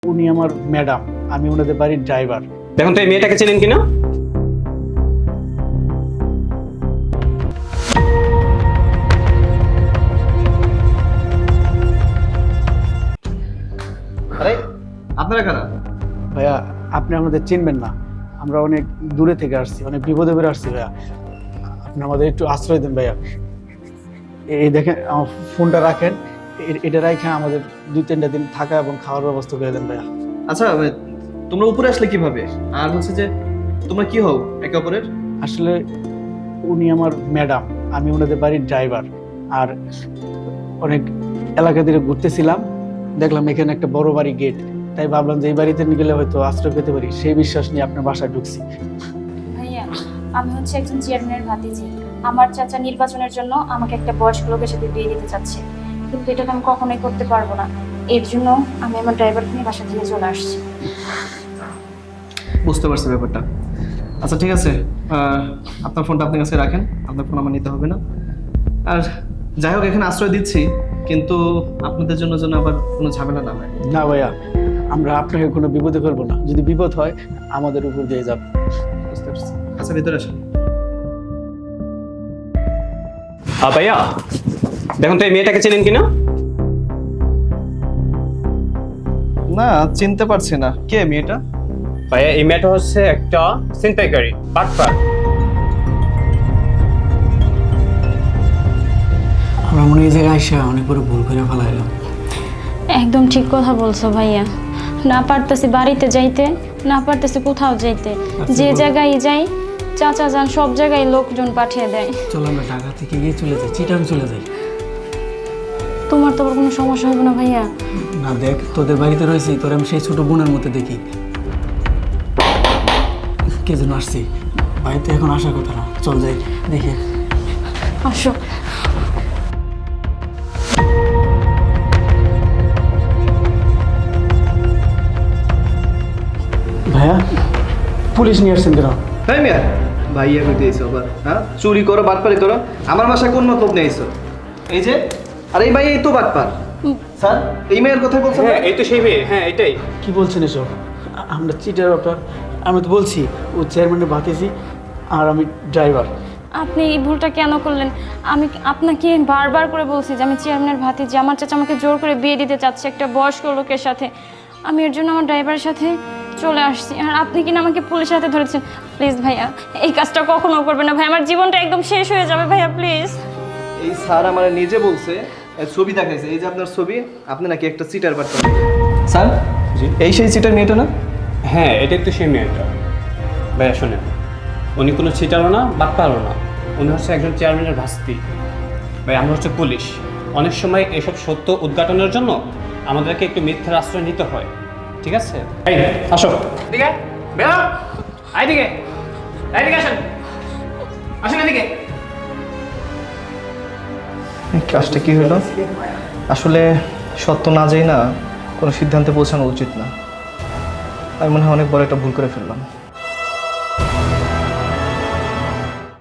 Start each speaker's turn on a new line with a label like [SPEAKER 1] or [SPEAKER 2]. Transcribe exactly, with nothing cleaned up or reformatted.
[SPEAKER 1] উনি আমার ম্যাডাম, আমি ওনাদের বাড়ির ড্রাইভার।
[SPEAKER 2] দেখুন তো এই মেয়েটাকে চেনেন কিনা?
[SPEAKER 3] আরে আপনারা কারা?
[SPEAKER 1] ভাইয়া আপনি আমাদের চিনবেন না, আমরা অনেক দূরে থেকে আসছি, অনেক বিপদে পড়ে আসছি ভাইয়া, আপনি আমাদের একটু আশ্রয় দেন ভাইয়া। এই দেখেন আমার ফোনটা রাখেন, এ- এটা রাখে আমাদের দুই তিনটা দিন থাকা এবং খাওয়ার ব্যবস্থা করে দেন ভাইয়া।
[SPEAKER 3] আচ্ছা তোমরা উপরে আসলে কিভাবে? আর হচ্ছে যে তোমরা কি হও একে অপরের?
[SPEAKER 1] আসলে উনি আমার ম্যাডাম, আমি ওনাদের বাড়ির ড্রাইভার। আর অনেক এলাকা দিয়ে ঘুরতেছিলাম, দেখলাম এখানে একটা বড় বাড়ি গেট, তাই ভাবলাম যে এই বাড়িতে নিয়ে গেলে হয়তো আশ্রয় পেতে পারি, সেই বিশ্বাস নিয়ে আপনার বাসায় ঢুকছি।
[SPEAKER 4] ভাইয়া, আমি হচ্ছে একজন চেয়ারম্যানের ভাতিজি। আমার চাচা নির্বাচনের জন্য আমাকে একটা বয়স্ক লোকের সাথে বিয়ে দিতে চাচ্ছে, কিন্তু এটা তো আমি কখনোই করতে পারবো না। এর জন্য আমি আমার ড্রাইভারকে নিয়ে বাসা থেকে চলে আসছি।
[SPEAKER 3] বুঝতে পারছি ব্যাপারটা। আচ্ছা ঠিক আছে, আহ, আপনার ফোনটা আপনার কাছে রাখেন, আপনার ফোন আমার নিতে হবে না। আর যাই হোক এখানে আশ্রয় দিচ্ছি, কিন্তু আপনাদের জন্য যেন আবার কোনো ঝামেলা না হয়।
[SPEAKER 1] না ভাইয়া, আমরা আপনাকে কোনো বিপদে ফেলবো না, যদি বিপদ হয় আমাদের উপর দিয়ে যাবে।
[SPEAKER 3] বুঝতে পারছি। আচ্ছা ভিতরে আসেন।
[SPEAKER 2] হ্যাঁ ভাইয়া, দেখুন তো এই মেয়েটাকে চেনেন কিনা?
[SPEAKER 3] না চিনতে পারছি না, কে মেয়েটা?
[SPEAKER 2] ভাইয়া এই মেয়েটা হচ্ছে একটা ছিনতাইকারী, বাটপার।
[SPEAKER 1] আমরা মনে হয় এই জায়গায় আসা অনেক বড় ভুল করে ফেলাইলাম।
[SPEAKER 4] একদম ঠিক কথা বলছো ভাইয়া, না পারতেছি বাড়িতে যাইতে, না পারতেছি কোথাও যাইতে, যে জায়গায় যাই চাচা যান সব জায়গায় লোকজন পাঠিয়ে দেয়।
[SPEAKER 1] চলো আমরা ঢাকা থেকে গিয়ে চলে যাই, চিটাং চলে যাই।
[SPEAKER 4] তোমার তো আবার কোনো সমস্যা হবে না ভাইয়া?
[SPEAKER 1] না দেখ, তোদের বাড়িতে রয়েছি, তোর আমি সেই ছোট বোনের মতো দেখি। কে যেন আসছি, বাড়িতে এখন আসার কথা না, চল যাই দেখে।
[SPEAKER 4] আসো।
[SPEAKER 1] ভাইয়া, পুলিশ নিয়ে আসছেন কেন?
[SPEAKER 3] তাই মিয়া ভাইয়া কই দিয়েছো আবার? হ্যাঁ চুরি করো, বাটপারি করো, আমার বাসায় কোন মতলব নিয়ে আইছো? এই যে আর এই ভাই এই তো বাটপার। স্যার এই মেয়ের কথাই বলছেন?
[SPEAKER 2] হ্যাঁ এই তো সেই মেয়ে, হ্যাঁ এটাই।
[SPEAKER 1] কি বলছেন এসব? আ- আমরা চিটার ব্যাপার, আমি তো বলছি ও চেয়ারম্যানের ভাতিজি আর আমি ড্রাইভার।
[SPEAKER 4] আপনি এই ভুলটা কেন করলেন? আমি আপনাকে বারবার করে বলছি যে আমি চেয়ারম্যানের ভাতিজি, আমার চাচা আমাকে জোর করে বিয়ে দিতে চাচ্ছে একটা বয়স্ক লোকের সাথে। আমি এর জন্য আমার ড্রাইভারের সাথে চলে আসছি, আর আপনি কিনা আমাকে পুলিশের হাতে ধরেছেন। প্লিজ ভাইয়া, এই কাজটা কখনো করবেন না ভাই, আমার জীবনটা একদম শেষ হয়ে যাবে ভাইয়া, প্লিজ।
[SPEAKER 3] এই স্যার আমার নিজে বলছে, এই ছবি দেখাইছে, এই যে আপনার ছবি, আপনি নাকি একটা চিটার বাটপার। স্যার
[SPEAKER 2] জি?
[SPEAKER 3] এই সেই চিটার মেয়েটা না?
[SPEAKER 2] হ্যাঁ এটাই তো সেই মেয়েটা। ভাইয়া শোনেন, উনি কোনো ছিটারও না, বাটপারও না, উনি হচ্ছে একজন চেয়ারম্যানের ভাস্তি। ভাই আমরা হচ্ছে পুলিশ, অনেক সময় এসব সত্য উদ্ঘাটনের জন্য আমাদেরকে একটু মিথ্যার আশ্রয় নিতে হয়, ঠিক আছে? এই আসো এদিকে, বেরো এইদিকে, এইদিকে আসেন, আসেন এদিকে।
[SPEAKER 3] এই কাজটা কি হলো? আসলে সত্য না যাই না কোনো সিদ্ধান্তে পৌঁছানো উচিত না। আমি মনে হয় অনেক বড় একটা ভুল করে ফেললাম।